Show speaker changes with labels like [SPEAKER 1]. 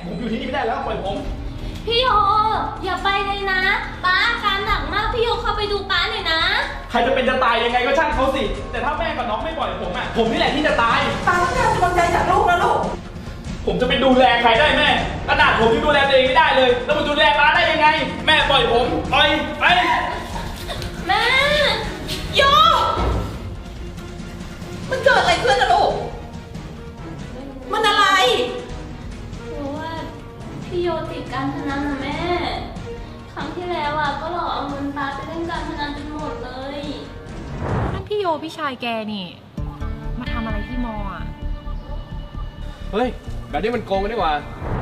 [SPEAKER 1] ผมอยู่ที่นี่ไม่ได้แล้วปล่อยผม
[SPEAKER 2] พี่โยอย่าไปเลยนะป้าอาการหนักมากพี่โยเข้าไปดูป้าหน่อยนะ
[SPEAKER 1] ใครจะเป็นจะตายยังไงก็ช่างเขาสิแต่ถ้าแม่กับน้องไม่ปล่อยผมอะผมนี่แหละที่จะตาย
[SPEAKER 3] ป้าต้องการกำลังใจจากลูกนะลูก
[SPEAKER 1] ผมจะไปดูแลใครได้แม่ขนาดผมยังดูแลตัวเองไม่ได้เลยแล้วมาดูแลป้าได้ยังไงแม่ปล่อยผมปล่อยไป
[SPEAKER 2] แม่
[SPEAKER 3] โยมันเกิดอะไรขึ้นนะลูกมันอะไร
[SPEAKER 2] คือว่าพี่โยติดการพนันนะแม่ครั้งที่แล้วอ่ะก็หลอกเอาเงินป้าไปเล่นการพนันจนหมดเลย
[SPEAKER 4] นั่นพี่โยพี่ชายแกนี่มาทำอะไรที่มออ่ะ
[SPEAKER 5] เฮ้ยแบบนี้มันโกงกันดีกว่า